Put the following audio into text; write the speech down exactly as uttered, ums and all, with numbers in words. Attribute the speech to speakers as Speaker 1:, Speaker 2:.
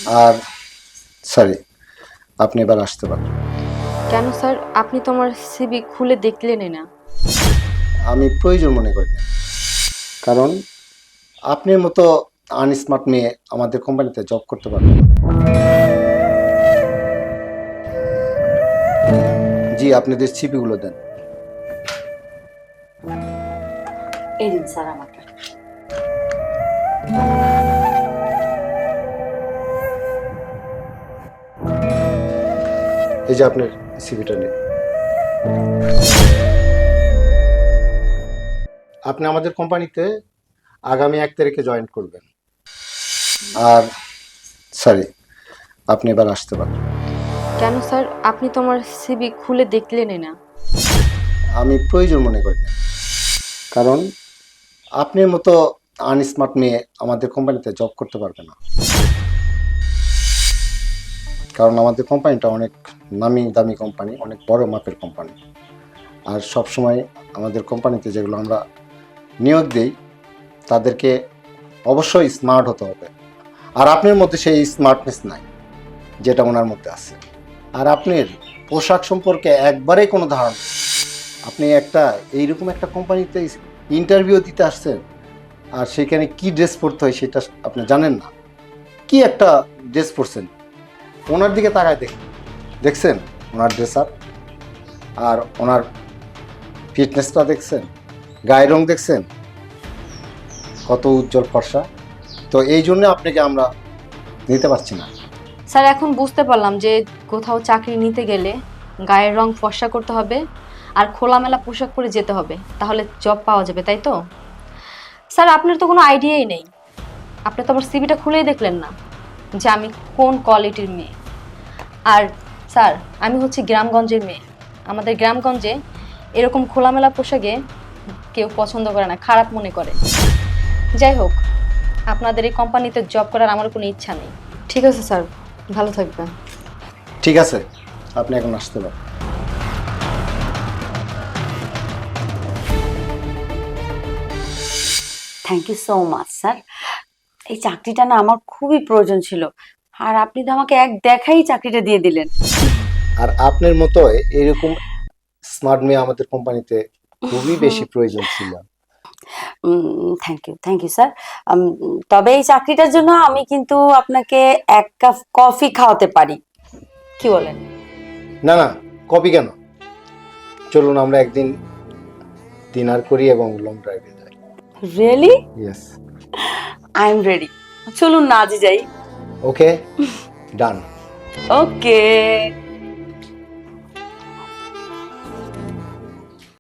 Speaker 1: আর sorry, আপনি এবার আসতে পারেন।
Speaker 2: কেন স্যার, আপনি তো আমার সিভি খুলে দেখলেনই না।
Speaker 1: আমি প্রয়োজন মনে করি না, কারণ আপনার মতো আনস্মার্ট মেয়ে আমাদের কোম্পানিতে জব করতে পারবে না। জি, আপনাদের সিপিগুলো দেন।
Speaker 3: এই দিন স্যার আমাকে।
Speaker 1: এই যে আপনার সিপিটা নিন। আপনি আমাদের কোম্পানিতে আগামী এক তারিখে জয়েন করবেন। আর সরি, আপনি এবার আসতে পারেন।
Speaker 2: কেন স্যার, আপনি তো আমার সিভি খুলে দেখলেনই না।
Speaker 1: আমি প্রয়োজন মনে করি না, কারণ আপনার মতো আনস্মার্ট মেয়ে আমাদের কোম্পানিতে জব করতে পারবে না। কারণ আমাদের কোম্পানিটা অনেক নামি দামি কোম্পানি, অনেক বড় মাপের কোম্পানি। আর সব সময় আমাদের কোম্পানিতে যেগুলো আমরা নিয়োগ দিই তাদেরকে অবশ্যই স্মার্ট হতে হবে। আর আপনার মধ্যে সেই স্মার্টনেস নাই যেটা ওনার মধ্যে আছে। আর আপনার পোশাক সম্পর্কে একবারেই কোনো ধারণা নেই। আপনি একটা এইরকম একটা কোম্পানিতে ইন্টারভিউ দিতে আসছেন, আর সেখানে কি ড্রেস পরতে হয় সেটা আপনি জানেন না। কি একটা ড্রেস পরছেন, ওনার দিকে তাকায় দেখ দেখছেন ওনার ড্রেস আপ, আর ওনার ফিটনেসটা দেখছেন, গায়ের রং দেখছেন কত উজ্জ্বল ফর্সা। তো এই জন্য আপনাকে আমরা নিতে পারছি না।
Speaker 2: স্যার, এখন বুঝতে পারলাম যে কোথাও চাকরি নিতে গেলে গায়ের রং ফর্সা করতে হবে আর খোলামেলা পোশাক পরে যেতে হবে, তাহলে জব পাওয়া যাবে, তাই তো? স্যার, আপনার তো কোনো আইডিয়াই নেই। আপনি তো আমার সিভিটা খুলেই দেখলেন না যে আমি কোন কোয়ালিটির মেয়ে। আর স্যার, আমি হচ্ছে গ্রামগঞ্জের মেয়ে। আমাদের গ্রামগঞ্জে এরকম খোলামেলা পোশাকে কেউ পছন্দ করে না, খারাপ মনে করে। যাই হোক, আপনাদের এই কোম্পানিতে জব করার আমার কোনো ইচ্ছা নেই। ঠিক আছে স্যার, ভালো থাকবেন।
Speaker 1: ঠিক আছে, আপনি এখন আসতে পারেন।
Speaker 3: Thank you so much sir. এই চাকরিটা না আমার খুবই প্রয়োজন ছিল, আর আপনি তো আমাকে এক দেখাই চাকরিটা দিয়ে দিলেন।
Speaker 1: আর আপনার মতো এরকম স্মার্ট মেয়ে আমাদের কোম্পানিতে খুবই বেশি প্রয়োজন ছিল।
Speaker 3: Thank you thank you sir. তবে এই চাকরিটার জন্য আমি কিন্তু আপনাকে এক কাপ কফি খাওয়াতে পারি, কি বলেন?
Speaker 1: না না, কপি কেন, চলুন আমরা একদিন ডিনার করি এবং লং ড্রাইভে যাই।
Speaker 3: Really?
Speaker 1: Yes.
Speaker 3: I am ready. চলুন না আজই যাই।
Speaker 1: ওকে, ডান।
Speaker 3: ওকে।